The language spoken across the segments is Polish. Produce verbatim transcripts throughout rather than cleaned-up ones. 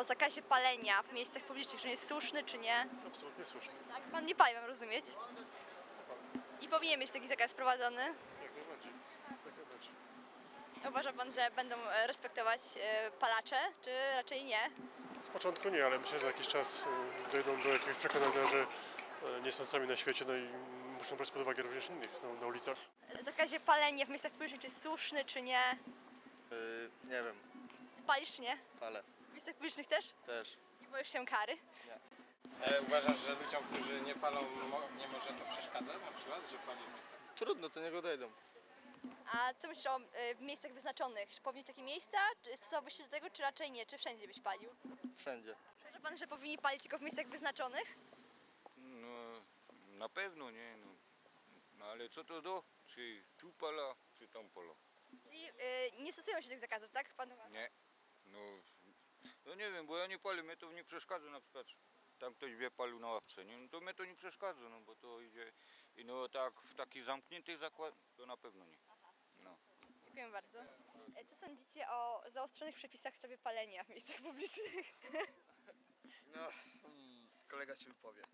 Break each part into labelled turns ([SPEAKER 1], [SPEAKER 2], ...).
[SPEAKER 1] o zakazie palenia w miejscach publicznych, czy on jest słuszny, czy nie?
[SPEAKER 2] Absolutnie słuszny.
[SPEAKER 1] Tak, pan nie pali, mam rozumieć. I powinien być taki zakaz wprowadzony.
[SPEAKER 2] Jak najbardziej. Jak najbardziej.
[SPEAKER 1] Uważa pan, że będą e, respektować e, palacze, czy raczej nie?
[SPEAKER 2] Z początku nie, ale myślę, że za jakiś czas y, dojdą do jakiegoś przekonania, że y, nie są sami na świecie, no i muszą brać pod uwagę również innych no, na ulicach.
[SPEAKER 1] Zakazie palenia w miejscach publicznych, czy jest słuszny, czy nie?
[SPEAKER 3] Yy, nie wiem,
[SPEAKER 1] Ty palisz, czy nie?
[SPEAKER 3] ale
[SPEAKER 1] W miejscach publicznych też?
[SPEAKER 3] też.
[SPEAKER 1] Nie boisz się kary?
[SPEAKER 4] E, uważasz, że ludziom, którzy nie palą, mo- nie może to przeszkadzać na przykład, że pali w miejscach?
[SPEAKER 3] Trudno, to niego dojdą.
[SPEAKER 1] A co myślisz o e, miejscach wyznaczonych? Czy powinny być takie miejsca? Czy stosowałbyś się do tego, czy raczej nie? Czy wszędzie byś palił?
[SPEAKER 3] Wszędzie.
[SPEAKER 1] Uważa pan, że powinni palić tylko w miejscach wyznaczonych?
[SPEAKER 5] No, na pewno nie. No, no ale co to do? Czy tu pala, czy tam pala?
[SPEAKER 1] Czyli e, nie stosują się tych zakazów, tak? Pan uważa?
[SPEAKER 5] Nie. No, no nie wiem, bo ja nie palę, mnie to nie przeszkadza na przykład. Tam ktoś wie palił na ławce, nie? No to mnie to nie przeszkadza, no bo to idzie. I no tak w takich zamkniętych zakładach to na pewno nie. No.
[SPEAKER 1] Dziękuję bardzo. E, Co sądzicie o zaostrzonych przepisach w sprawie palenia w miejscach publicznych?
[SPEAKER 6] No, mm, kolega się wypowie.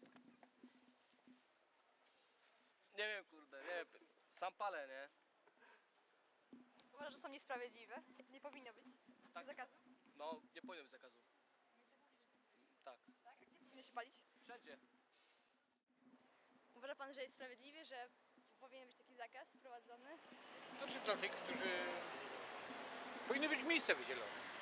[SPEAKER 7] Nie wiem, kurde, nie wiem. Sam palę, nie?
[SPEAKER 1] Uważa, że są niesprawiedliwe? Nie powinno być
[SPEAKER 7] Tak.
[SPEAKER 1] zakazu?
[SPEAKER 7] No, nie powinno być zakazu. Tak.
[SPEAKER 1] Tak? A gdzie powinno się palić?
[SPEAKER 7] Wszędzie.
[SPEAKER 1] Uważa pan, że jest sprawiedliwie, że powinien być taki zakaz wprowadzony?
[SPEAKER 4] Znaczy dla tych, którzy... Powinny być miejsca wydzielone.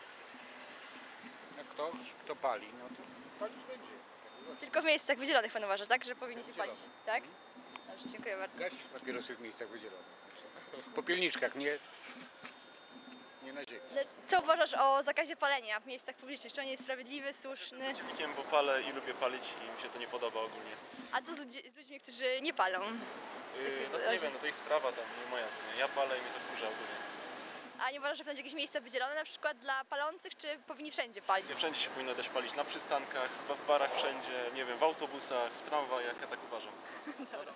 [SPEAKER 4] Jak ktoś, kto pali, no to palić będzie.
[SPEAKER 1] Tylko w miejscach wydzielonych pan uważa, tak? Że powinni się
[SPEAKER 4] Wydzielone.
[SPEAKER 1] palić, tak? Dobrze, dziękuję bardzo.
[SPEAKER 4] Gasić papierosy w miejscach wydzielonych. Znaczy, w popielniczkach, nie, nie na ziemi.
[SPEAKER 1] No, co uważasz o zakazie palenia w miejscach publicznych? Czy on jest sprawiedliwy, słuszny?
[SPEAKER 8] Przeciwnikiem, bo palę i lubię palić i mi się to nie podoba ogólnie.
[SPEAKER 1] A co z, ludzi, z ludźmi, którzy nie palą?
[SPEAKER 8] Yy, no to nie wiem, no to ich sprawa tam, nie moja, co nie? Ja palę i mnie to wkurza ogólnie.
[SPEAKER 1] A nie uważasz, że powinny być jakieś miejsca wydzielone na przykład dla palących, czy powinni wszędzie palić?
[SPEAKER 8] Nie wszędzie się powinno dać palić, na przystankach, w barach wszędzie, nie wiem, w autobusach, w tramwajach, ja tak uważam.